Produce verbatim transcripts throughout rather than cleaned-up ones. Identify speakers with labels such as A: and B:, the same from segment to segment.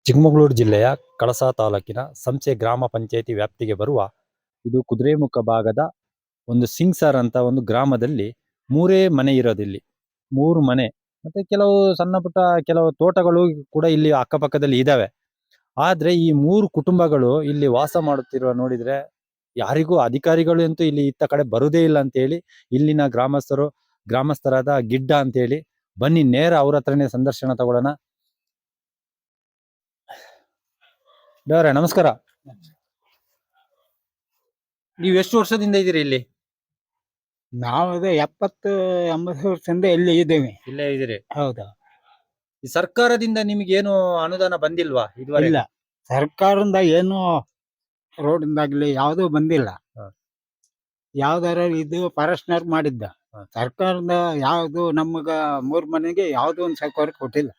A: ಚಿಕ್ಕಮಗಳೂರು ಜಿಲ್ಲೆಯ ಕಳಸಾ ತಾಲೂಕಿನ ಸಂಸೆ ಗ್ರಾಮ ಪಂಚಾಯಿತಿ ವ್ಯಾಪ್ತಿಗೆ ಬರುವ ಇದು ಕುದುರೆಮುಖ ಭಾಗದ ಒಂದು ಸಿಂಗ್ಸರ್ ಅಂತ ಒಂದು ಗ್ರಾಮದಲ್ಲಿ ಮೂರೇ ಮನೆ ಇರೋದಿಲ್ಲಿ. ಮೂರು ಮನೆ ಮತ್ತೆ ಕೆಲವು ಸಣ್ಣ ಪುಟ್ಟ ಕೆಲವು ತೋಟಗಳು ಕೂಡ ಇಲ್ಲಿ ಅಕ್ಕಪಕ್ಕದಲ್ಲಿ ಇದಾವೆ. ಆದ್ರೆ ಈ ಮೂರು ಕುಟುಂಬಗಳು ಇಲ್ಲಿ ವಾಸ ಮಾಡುತ್ತಿರುವ ನೋಡಿದ್ರೆ ಯಾರಿಗೂ ಅಧಿಕಾರಿಗಳು ಅಂತೂ ಇಲ್ಲಿ ಇತ್ತ ಕಡೆ ಬರುದೇ ಇಲ್ಲ ಅಂತ ಹೇಳಿ ಇಲ್ಲಿನ ಗ್ರಾಮಸ್ಥರು ಗ್ರಾಮಸ್ಥರಾದ ಗಿಡ್ಡ ಅಂತ ಹೇಳಿ ಬನ್ನಿ ನೇರ ಅವ್ರ ಹತ್ರನೇ ಸಂದರ್ಶನ ತಗೊಳ್ಳೋಣ. ದೇವರೇ ನಮಸ್ಕಾರ. ನೀವು ಎಷ್ಟು ವರ್ಷದಿಂದ ಇದ್ದೀರಿ ಇಲ್ಲಿ?
B: ನಾವು ಅದೇ ಎಪ್ಪತ್ತು ಎಂಬತ್ತು ವರ್ಷದಿಂದ ಇಲ್ಲಿ ಇದ್ದೇವೆ.
A: ಇಲ್ಲೇ ಇದ್ದೀರಿ?
B: ಹೌದಾ.
A: ಈ ಸರ್ಕಾರದಿಂದ ನಿಮ್ಗೆ ಏನು ಅನುದಾನ ಬಂದಿಲ್ವಾ ಇದುವರೆಗೆ?
B: ಇಲ್ಲ, ಸರ್ಕಾರದಿಂದ ಏನು ರೋಡಿಂದಾಗ್ಲಿ ಯಾವ್ದು ಬಂದಿಲ್ಲ.
A: ಹ.
B: ಯಾವ್ದಾರ ಇದು ಫಾರೆಸ್ಟ್ನರ್ ಮಾಡಿದ್ದ.
A: ಹ.
B: ಸರ್ಕಾರದಿಂದ ಯಾವ್ದು ನಮಗ ಮೂರ್ ಮನೆಗೆ ಯಾವ್ದು ಒಂದು ಸರ್ಕಾರ ಕೊಟ್ಟಿಲ್ಲ.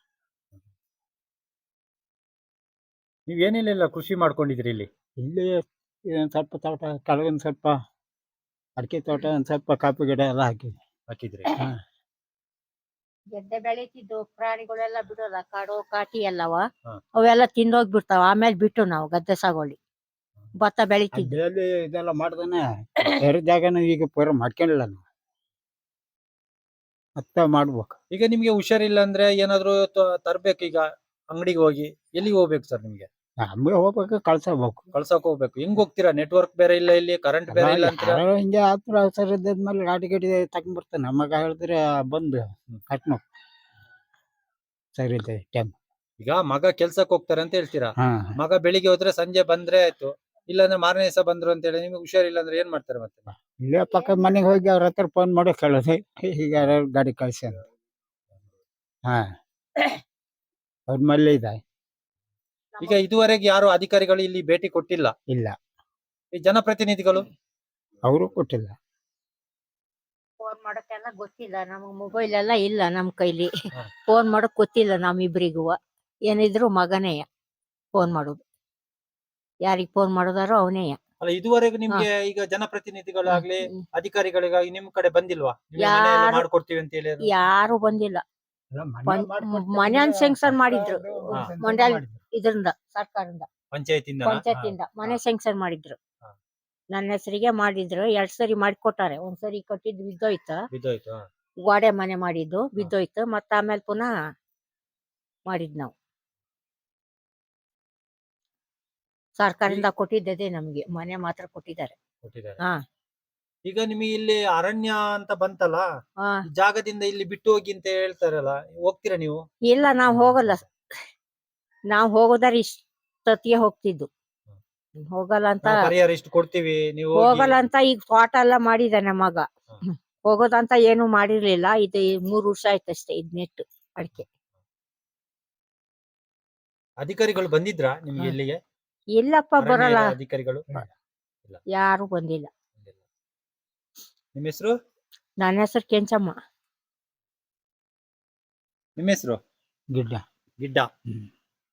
A: ನೀವ್ ಏನೇನೆಲ್ಲ ಕೃಷಿ ಮಾಡ್ಕೊಂಡಿದ್ರಿ ಇಲ್ಲಿ?
B: ಇಲ್ಲಿ ಒಂದ್ ಸ್ವಲ್ಪ ತೋಟ, ಕೆಳಗೊಂದ್ ಸ್ವಲ್ಪ ಅಡಿಕೆ ತೋಟ, ಒಂದ್ ಸ್ವಲ್ಪ ಕಾಫಿ ಗಿಡ ಎಲ್ಲ ಹಾಕಿದ್ವಿ.
A: ಹಾಕಿದ್ರಿ?
B: ಹ.
C: ಗೆದ್ದೆ ಬೆಳಿತಿದ್ದು ಪ್ರಾಣಿಗಳೆಲ್ಲ ಬಿಡೋಲ್ಲ, ಕಾಡು ಕಾಟಿ ಎಲ್ಲವ
A: ಹ.
C: ಅವೆಲ್ಲ ತಿಂದೋಗ್ಬಿಡ್ತಾವ. ಆಮೇಲೆ ಬಿಟ್ಟು ನಾವು ಗದ್ದೆ ಸಾಗೋಳಿ ಭತ್ತ ಬೆಳಿತಿದ್ವಿ.
B: ಅಡ್ಡಲ್ಲಿ ಇದೆಲ್ಲ ಮಾಡ್ದಾನೆ ಬೇರೆ ಜಾಗನ ಈಗ ಪೂರ ಮಾಡ್ಕೊಂಡಿಲ್ಲ ನಾವು. ಮತ್ತೆ ಮಾಡ್ಬೇಕು.
A: ಈಗ ನಿಮ್ಗೆ ಹುಷಾರಿಲ್ಲ ಅಂದ್ರೆ ಏನಾದ್ರು ತರ್ಬೇಕು, ಈಗ ಅಂಗಡಿಗೆ ಹೋಗಿ ಎಲ್ಲಿಗೆ ಹೋಗ್ಬೇಕು ಸರ್ ನಿಮ್ಗೆ?
B: ನಮ್ಗೆ ಹೋಗ್ಬೇಕು, ಕಳ್ಸಬೇಕು.
A: ಕಳ್ಸಕ್ ಹೋಗ್ಬೇಕು. ಹೆಂಗ್ ಹೋಗ್ತೀರಾ? ನೆಟ್ವರ್ಕ್ ಬೇರೆ ಇಲ್ಲ, ಇಲ್ಲಿ ಕರೆಂಟ್ ಬೇರೆ ಇಲ್ಲ ಅಂತೀರಾ.
B: ಯಾರೋ ಹಿಂಗೆ ಆತರ ಅವಸರ ಇದ್ಮೇಲೆ ಗಾಡಿ ಗಾಡಿ ತಗೊಂಡ್ ಬರ್ತಾನೆ. ನಮಗ ಹೇಳಿದ್ರೆ ಬಂದು ಕಟ್ನೋ ಸರಿ ಇದೆ ಟೈಮ್.
A: ಈಗ ಮಗ ಕೆಲ್ಸಕ್ಕೆ ಹೋಗ್ತಾರೆ ಅಂತ ಹೇಳ್ತೀರಾ.
B: ಹಾ,
A: ಮಗ ಬೆಳಿಗ್ಗೆ ಹೋದ್ರೆ ಸಂಜೆ ಬಂದ್ರೆ ಆಯ್ತು, ಇಲ್ಲಾಂದ್ರೆ ಮಾರನೇ ದಿವಸ ಬಂದ್ರು ಅಂತ ಹೇಳಿ ನಿಮ್ಗೆ ಹುಷಾರಿಲ್ಲ ಅಂದ್ರೆ ಏನ್ ಮಾಡ್ತಾರೆ ಮತ್ತೆ?
B: ಇಲ್ಲೇ ಪಕ್ಕದ ಮನೆಗೆ ಹೋಗಿ ಅವ್ರ ಹತ್ರ ಫೋನ್ ಮಾಡಿ ಕೇಳೋದು, ಹೀಗೆ ಯಾರು ಗಾಡಿ ಕಳ್ಸಿ ಅಂತ. ಹಾ, ಅವ್ರ ಮಲ್ಲೆ ಇದೆ.
A: ಈಗ ಇದುವರೆಗೆ ಯಾರು ಅಧಿಕಾರಿಗಳು ಇಲ್ಲಿ ಭೇಟಿ ಕೊಟ್ಟಿಲ್ಲ?
B: ಇಲ್ಲ,
A: ಈ ಜನಪ್ರತಿನಿಧಿಗಳು
B: ಅವರು ಕೊಟ್ಟಿಲ್ಲ.
C: ಫೋನ್ ಮಾಡೋಕ್ಕೆಲ್ಲ ಗೊತ್ತಿಲ್ಲ ನಮಗ್, ಮೊಬೈಲ್ ಎಲ್ಲ ಇಲ್ಲ ನಮ್ ಕೈಲಿ.
A: ಹ.
C: ಫೋನ್ ಮಾಡಕ್ ಗೊತ್ತಿಲ್ಲ ನಮ್ಮಿಬ್ರಿಗೂ. ಏನಿದ್ರು ಮಗನೇ ಫೋನ್ ಮಾಡೋದು. ಯಾರಿಗ್ ಫೋನ್ ಮಾಡೋದಾರೋ ಅವನೇ.
A: ಅಲ್ಲ, ಇದುವರೆಗೂ ನಿಮ್ಗೆ ಈಗ ಜನಪ್ರತಿನಿಧಿಗಳಾಗ್ಲಿ ಅಧಿಕಾರಿಗಳಿಗಾಗಿ ನಿಮ್ ಕಡೆ ಬಂದಿಲ್ವಾ? ನಿಮ್ಗೆ
C: ಯಾರು-
A: ಮನೆ ಎಲ್ಲ ಮಾಡ್ಕೊಡ್ತೀವಿ ಅಂತ ಹೇಳಿ?
C: ಯಾರು ಬಂದಿಲ್ಲ. ಮನೆ ಸ್ಯಾಂಕ್ಷನ್ ಮಾಡಿದ್ರು ಮಂಡ್ಯ ಇದರಿಂದ, ಸರ್ಕಾರದಿಂದ,
A: ಪಂಚಾಯತಿಂದ
C: ಪಂಚಾಯತಿಂದ ಮನೆ ಸ್ಯಾಂಕ್ಷನ್ ಮಾಡಿದ್ರು.
A: ಹ.
C: ನನ್ನ ಹೆಸರಿಗೆ ಮಾಡಿದ್ರು. ಎರಡ್ ಸರಿ ಮಾಡಿಕೊಟ್ಟಾರೆ. ಒಂದ್ಸರಿ ಕಟ್ಟಿದ್ದು ಬಿದ್ದೋಯ್ತು,
A: ಬಿದ್ದೋಯ್ತು.
C: ಗೋಡೆ ಮನೆ ಮಾಡಿದ್ದು ಬಿದ್ದೋಯ್ತು. ಮತ್ತ ಆಮೇಲೆ ಪುನಃ ಮಾಡಿದ್ ನಾವು. ಸರ್ಕಾರದಿಂದ ಕೊಟ್ಟಿದ್ದೆ ನಮ್ಗೆ ಮನೆ ಮಾತ್ರ ಕೊಟ್ಟಿದ್ದಾರೆ.
A: ಕೊಟ್ಟಿದ್ದಾರೆ.
C: ಹಾ.
A: ಈಗ ನಿಮಗೆ ಇಲ್ಲಿ ಅರಣ್ಯ ಅಂತ ಬಂತಲ್ಲ,
C: ಹಾ.
A: ಈ ಜಾಗದಿಂದ ಇಲ್ಲಿ ಬಿಟ್ಟು ಹೋಗಿ ಅಂತ ಹೇಳ್ತಾರಲ್ಲ, ಹೋಗ್ತೀರಾ ನೀವು?
C: ಇಲ್ಲ, ನಾವ್ ಹೋಗಲ್ಲ. ನಾವ್ ಹೋಗೋದಾರ ಇಷ್ಟೊತ್ತಿಗೆ ಹೋಗ್ತಿದ್ದು. ಹೋಗಲ್ಲ ಅಂತ
A: ನಾವು ಪರಿಹಾರ ಇಷ್ಟು ಕೊಡ್ತೀವಿ, ನೀವು ಹೋಗಿ.
C: ಹೋಗಲ್ಲ ಅಂತ ಈಗ ತೋಟ ಎಲ್ಲ ಮಾಡಿದಾನೆ ಮಗ. ಹೋಗೋದಂತ ಏನು ಮಾಡಿರ್ಲಿಲ್ಲ. ಇದು ಮೂರ್ ವರ್ಷ ಆಯ್ತಷ್ಟೇ ಇದ್ ನೆಟ್ಟು ಅಡಿಕೆ.
A: ಅಧಿಕಾರಿಗಳು ಬಂದಿದ್ರಾ ನಿಮ್ಗೆ
C: ಹ.
A: ಇಲ್ಲಿಗೆ?
C: ಇಲ್ಲಪ್ಪ,
A: ಅರಣ್ಯ
C: ಬರಲ್ಲ.
A: ಇಲಾಖೆ ಅಧಿಕಾರಿಗಳು
C: ಯಾರು ಬಂದಿಲ್ಲ.
A: ನಿಮ್ಮ ಹೆಸರು?
C: ನನ್ನ ಹೆಸರು ಕೆಂಚಮ್ಮ.
A: ನಿಮ್ಮ ಹೆಸರು?
B: ಗಿಡ್ಡ.
A: ಗಿಡ್ಡ.
B: ಹ್ಮ್.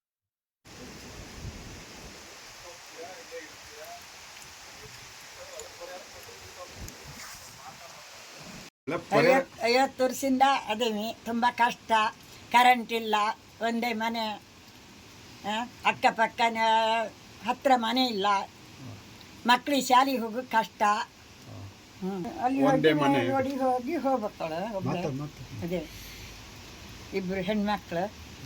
D: ಐವತ್ತು ಐವತ್ತು ವರ್ಷದಿಂದ ಅದೇವಿ. ತುಂಬ ಕಷ್ಟ. ಕರೆಂಟ್ ಇಲ್ಲ, ಒಂದೇ ಮನೆ, ಆ, ಅಕ್ಕಪಕ್ಕನ ಹತ್ರ ಮನೆ ಇಲ್ಲ. ಮಕ್ಕಳಿಗೆ ಶಾಲೆಗೆ ಹೋಗೋದು ಕಷ್ಟ. ಹ್ಮ್. ಅಲ್ಲಿ ಹೋಗಿ ನೋಡಿ ಹೋಗಿ ಹೋಗ್ಬೇಕಳು ಒಬ್ಬಳೆ. ಅದೇ ಇಬ್ರು ಹೆಣ್ಮಕ್ಳು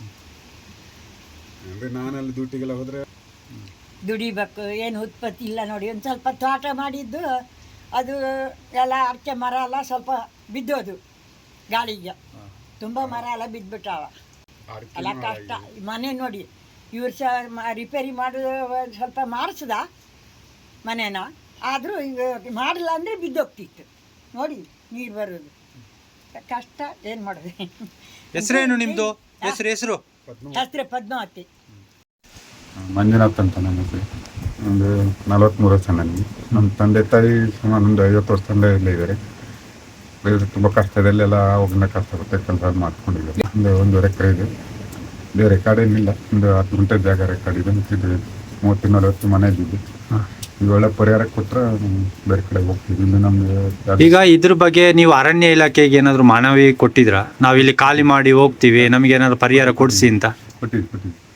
E: ನಾನಲ್ಲಿ ಡ್ಯೂಟಿಗೆಲ್ಲ ಹೋದ್ರೆ
D: ದುಡಿಬೇಕು. ಏನು ಉತ್ಪತ್ತಿ ಇಲ್ಲ ನೋಡಿ. ಒಂದು ಸ್ವಲ್ಪ ತೋಟ ಮಾಡಿದ್ದು, ಅದು ಎಲ್ಲ ಅಡಿಕೆ ಮರ ಎಲ್ಲ ಸ್ವಲ್ಪ ಬಿದ್ದೋದು ಗಾಳಿಗೆ. ತುಂಬ ಮರ ಎಲ್ಲ ಬಿದ್ದುಬಿಟ್ಟಾವ. ಎಲ್ಲ ಕಷ್ಟ. ಮನೆ ನೋಡಿ, ಇವ್ರು ಸಹ ರಿಪೇರಿ ಮಾಡೋದು ಸ್ವಲ್ಪ ಮಾಡಿಸ್ದ ಮನೇನ. ಆದರೂ ಈಗ ಮಾಡಿಲ್ಲ ಅಂದರೆ ಬಿದ್ದೋಗ್ತಿತ್ತು ನೋಡಿ, ನೀರು ಬರೋದು ಕಷ್ಟ. ಏನು ಮಾಡೋದು?
A: ಹೆಸರೇನು ನಿಮ್ದು? ಹೆಸರು ಹೆಸರು
D: ಹೆಸರು ಪದ್ಮಾವತಿ.
E: ಮಂಜುನಾಥ್ ಅಂತ ನನ್ನ ಹೆಸರು. ಒಂದು ನಲವತ್ತ್ಮೂರು ವರ್ಷ ನನಗೆ. ನಮ್ಮ ತಂದೆ ತಾಯಿ ಸುಮಾರು ಒಂದು ಐವತ್ತು ವರ್ಷದಿಂದ ಇಲ್ಲೇ ಇದ್ದಾರೆ. ಬೇರೆ ತುಂಬ ಕಷ್ಟದಲ್ಲೆಲ್ಲ ಅವಾಗಿನ ಕಷ್ಟಪಟ್ಟು ಕೆಲಸ ಮಾಡ್ಕೊಂಡಿದ್ದಾರೆ. ಒಂದು ಒಂದೂವರೆ ಎಕರೆ ಇದೆ. ಬೇರೆ ಕಡೆ ಏನಿಲ್ಲ. ಒಂದು ಹತ್ತು ಗುಂಟೆ ಜಾಗ ರೆಕಾರ್ಡ್ ಇದೆ. ಇದು ಮೂವತ್ತು ನಲವತ್ತು ಮನೆ ಇದ್ದಿದ್ದು. ಈಗ ಒಳ್ಳೆ ಪರಿಹಾರ ಕೊಟ್ಟರೆ ಬೇರೆ ಕಡೆ ಹೋಗ್ತೀವಿ. ಇಲ್ಲಿ ನಮಗೆ
A: ಈಗ ಇದ್ರ ಬಗ್ಗೆ ನೀವು ಅರಣ್ಯ ಇಲಾಖೆಗೆ ಏನಾದ್ರು ಮನವಿ ಕೊಟ್ಟಿದ್ರಾ? ನಾವ್ ಇಲ್ಲಿ ಖಾಲಿ ಮಾಡಿ ಹೋಗ್ತೀವಿ, ನಮ್ಗೆ ಏನಾದ್ರು ಪರಿಹಾರ ಕೊಡಿಸಿ ಅಂತ
E: ಕೊಟ್ಟಿದ್ದು ಕೊಟ್ಟಿದ್ದು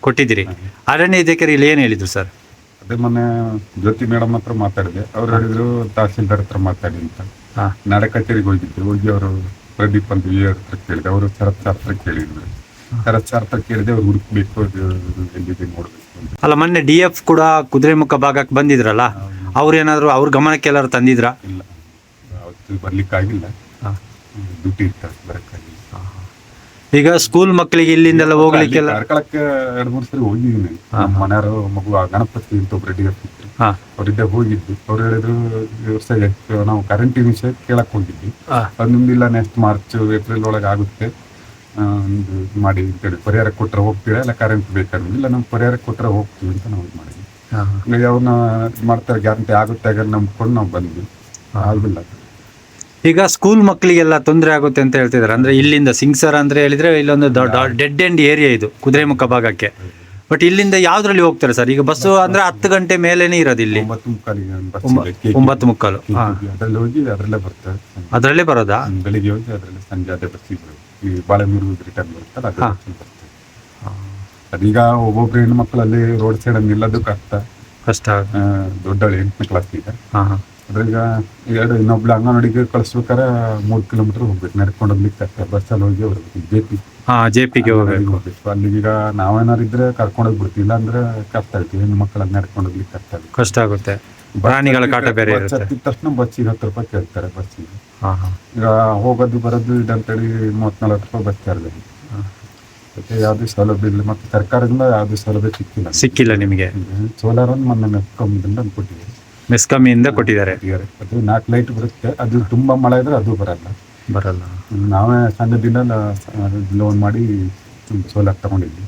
A: ಕೊಟ್ಟಿದ್ದೀರಿ. ಅರಣ್ಯ ಅಧಿಕಾರಿಗಳು ಏನು ಹೇಳಿದ್ರು ಸರ್?
E: ಅದೇ ಮೊನ್ನೆ ಜ್ಯೋತಿ ಮೇಡಮ್ ಹತ್ರ ಮಾತಾಡಿದೆ. ಅವ್ರು ಹೇಳಿದ್ರು ತಹಸೀಲ್ದಾರ್ ಹತ್ರ ಮಾತಾಡಿ ಅಂತ.
A: ಹಾ.
E: ನಾಳೆ ಕಚೇರಿಗೆ ಹೋಗಿದ್ರು. ಹೋಗಿ ಅವರು ಪ್ರದೀಪ್ ಅಂತ ವಿ ಹತ್ರ ಕೇಳಿದೆ. ಅವರು ಶರತ್ ಸರ್ ಹತ್ರ ಕೇಳಿದ್ರು. ಶರತ್ ಸರ್ ಹತ್ರ ಕೇಳಿದೆ. ಅವ್ರು ಹುಡುಕ್ಬೇಕು, ಅದು ಎಲ್ಲಿದೆ ನೋಡ್ಬೇಕು ಅಂತ.
A: ಅಲ್ಲ, ಮೊನ್ನೆ ಡಿ ಎಫ್ ಕೂಡ ಕುದುರೆಮುಖ ಭಾಗಕ್ಕೆ ಬಂದಿದ್ರಲ್ಲ, ಅವ್ರೇನಾದ್ರು ಅವ್ರ ಗಮನಕ್ಕೆ ಎಲ್ಲಾರು ತಂದಿದ್ರಾ?
E: ಇಲ್ಲ, ಅವತ್ತು ಬರ್ಲಿಕ್ಕಾಗಿಲ್ಲ.
A: ಹಾ.
E: ಡ್ಯೂಟಿ ಇರ್ತಾರೆ, ಬರಕ್ಕಾಗಿಲ್ಲ.
A: ಈಗ ಸ್ಕೂಲ್ ಮಕ್ಕಳಿಗೆ ಇಲ್ಲಿಂದೆಲ್ಲ ಹೋಗ್ಲಿಕ್ಕೆಲ್ಲ
E: ಕಾರ್ಕಳಕ್ಕೆ ಎರಡು ಮೂರು ಸರಿ ಹೋಗಿದ್ದೀನಿ. ನಮ್ಮ ಮನೆಯವರು ಮಗು ಆ ಗಣಪತಿ ಅಂತ ಒಬ್ರು ರೆಡಿ ಆಗ್ತಿದ್ರು.
A: ಹಾ.
E: ಅವರಿದ್ದ ಹೋಗಿದ್ದು. ಅವ್ರು ಹೇಳಿದ್ರು ಈ ವರ್ಷ ಎಷ್ಟು ನಾವು ಕರೆಂಟ್ ವಿಷಯ ಕೇಳಕ್ ಹೋಗಿದ್ವಿ.
A: ಹಾ.
E: ಅದು ನಿಮ್ದಿಲ್ಲ, ನೆಕ್ಸ್ಟ್ ಮಾರ್ಚ್ ಏಪ್ರಿಲ್ ಒಳಗೆ ಆಗುತ್ತೆ, ಆ, ಒಂದು ಇದು ಮಾಡಿ ಅಂತೇಳಿ ಪರಿಹಾರ ಕೊಟ್ಟರೆ ಹೋಗ್ತೀರಾ, ಇಲ್ಲ ಕರೆಂಟ್ ಬೇಕಾದ್ರೆ ಇಲ್ಲ ನಮ್ಗೆ ಪರಿಹಾರ ಕೊಟ್ಟರೆ ಹೋಗ್ತೀವಿ ಅಂತ ನಾವು ಇದು ಮಾಡಿದ್ವಿ.
A: ಹಾ.
E: ಈಗ ಅವ್ರನ್ನ ಇದು ಮಾಡ್ತಾರೆ, ಗ್ಯಾರಂಟಿ ಆಗುತ್ತೆ ಆಗ ನಂಬ್ಕೊಂಡು ನಾವು ಬಂದ್ವಿ. ಆಗಿಲ್ಲ.
A: ಈಗ ಸ್ಕೂಲ್ ಮಕ್ಕಳಿಗೆಲ್ಲ ತೊಂದರೆ ಆಗುತ್ತೆ ಅಂತ ಹೇಳ್ತಿದ್ದಾರೆ. ಅಂದ್ರೆ ಇಲ್ಲಿಂದ ಸಿಂಗ್ಸರ್ ಅಂದ್ರೆ ಹೇಳಿದ್ರೆ ಇಲ್ಲೊಂದು ಡೆಡ್ ಎಂಡ್ ಏರಿಯಾ ಇದು ಕುದುರೆಮುಖ ಭಾಗಕ್ಕೆ. ಬಟ್ ಇಲ್ಲಿಂದ ಯಾವ್ದ್ರಲ್ಲಿ ಹೋಗ್ತಾರೆ ಸರ್? ಈಗ ಬಸ್ಸು ಅಂದ್ರೆ ಹತ್ತು ಗಂಟೆ ಮೇಲೇನೆ ಇರೋದು ಇಲ್ಲಿ.
E: ಒಂಬತ್ತು ಮುಕ್ಕಾಲಿಗೆ ಬಸ್
A: ಒಂಬ-
E: ಇದೆ, ಕೆ-
A: ಒಂಬತ್ತು ಮುಕ್ಕಾಲು. ಹಾ.
E: ಅದ್ರಲ್ಲಿ ಹೋಗಿ ಅದರಲ್ಲೇ ಬರ್ತಾರೆ.
A: ಅದ್ರಲ್ಲೇ ಬರೋದಾ?
E: ಹ್ಮ್, ಬೆಳಿಗ್ಗೆ ಹೋಗಿ ಅದರಲ್ಲಿ ಸಂಜೆ ಅದೇ ಬಸ್ಸಿಗೆ ಈ ಬಾಳೆಮೂರು ರಿಟರ್ನ್ ಬರುತ್ತಲ್ಲ ಅದೇ
A: ಹಾ.
E: ಬಸ್ಸಿಗೆ ಬರ್ತದೆ. ಅದೀಗ ಒಬ್ಬೊಬ್ರು ಹೆಣ್ಣು ಮಕ್ಕಳಲ್ಲಿ ರೋಡ್ ಸೈಡ್ ನಿಲ್ಲೋದು ಕಷ್ಟ.
A: ಕಷ್ಟ ಆಗುತ್ತೆ.
E: ಆ, ದೊಡ್ಡವಳು ಎಂಟನೇ ಕ್ಲಾಸ್ ಈಗ.
A: ಹಾ. ಹಾ.
E: ಅದ್ರೀಗ ಎರಡು ಇನ್ನೊಬ್ಳು ಅಂಗನವಾಡಿಗೆ ಕಳಿಸ್ಬೇಕಾರೆ ಮೂರು ಕಿಲೋಮೀಟರ್ ಹೋಗ್ಬೇಕು, ನಡ್ಕೊಂಡು ಹೋಗ್ಲಿಕ್ಕೆ ಕಷ್ಟ. ಬಸ್ಸಲ್ಲಿ ಹೋಗಿ ಬರ್ಬೇಕು. ಜೆ ಪಿ
A: ಹಾ, ಜೆ ಪಿಗೆ ಹೋಗ್ಬೇಕು.
E: ಹೋಗ್ಬೇಕು. ಅಲ್ಲಿಗೀಗ ನಾವೇನಾರು ಇದ್ರೆ ಕರ್ಕೊಂಡು ಹೋಗ್ಬಿಡ್ತೀವಿ, ಇಲ್ಲ ಅಂದ್ರೆ ಕಷ್ಟ ಆಗುತ್ತೆ. ಹೆಣ್ಣು ಮಕ್ಕಳನ್ನ ನಡ್ಕೊಂಡು ಹೋಗ್ಲಿಕ್ಕೆ ಕಷ್ಟ ಆಗುತ್ತೆ.
A: ಕಷ್ಟ ಆಗುತ್ತೆ. ಪ್ರಾಣಿಗಳ ಕಾಟ ಬೇರೆ
E: ಬಸ್
A: ಇರುತ್ತೆ.
E: ಹತ್ತಿದ ತಕ್ಷಣ ಬಸ್ಸಿಗೆ ಹತ್ತು ರೂಪಾಯಿ ಕೇಳ್ತಾರೆ ಬಸ್ಸಿಗೆ.
A: ಹಾ. ಹಾ.
E: ಈಗ ಹೋಗೋದು ಬರೋದು ಇದಂತೇಳಿ ಮೂವತ್ತ್ ನಲ್ವತ್ತು ರೂಪಾಯಿ ಬಸ್ ಚಾರ್ಜ್ ಆಗಿದೆ. ಮತ್ತೆ ಯಾವುದೇ ಸೌಲಭ್ಯ ಇಲ್ಲ, ಮತ್ತೆ ಸರ್ಕಾರದಿಂದ ಯಾವುದೇ ಸೌಲಭ್ಯ ಸಿಕ್ಕಿಲ್ಲ.
A: ಸಿಕ್ಕಿಲ್ಲ ನಿಮಗೆ?
E: ಸೋಲಾರ್ ಒಂದು ಮೊನ್ನೆ ಮೆಸ್ಕಾಂದಿಂದ ಕೊಟ್ಟಿದ್ದೀವಿ.
A: ಮೆಸ್ಕಾಮಿಯಿಂದ ಕೊಟ್ಟಿದ್ದಾರೆ.
E: ಅದು ನಾಲ್ಕು ಲೈಟ್ ಬರುತ್ತೆ. ಅದು ತುಂಬಾ ಮಳೆ ಇದ್ರೆ ಅದು ಬರಲ್ಲ.
A: ಬರಲ್ಲ.
E: ನಾವೇ ಸಂಘದಿಂದ ಲೋನ್ ಮಾಡಿ ಸೋಲಾರ್ ತಗೊಂಡಿದ್ವಿ.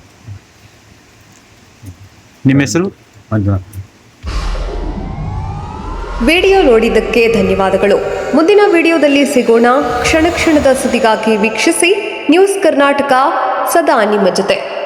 A: ನಿಮ್ಮ ಹೆಸರು?
E: ಮಂಜುನಾಥ್.
F: ವಿಡಿಯೋ ನೋಡಿದ್ದಕ್ಕೆ ಧನ್ಯವಾದಗಳು. ಮುಂದಿನ ವಿಡಿಯೋದಲ್ಲಿ ಸಿಗೋಣ. ಕ್ಷಣ ಕ್ಷಣದ ಸುದ್ದಿಗಾಗಿ ವೀಕ್ಷಿಸಿ ನ್ಯೂಸ್ ಕರ್ನಾಟಕ, ಸದಾ ನಿಮ್ಮ ಜೊತೆ.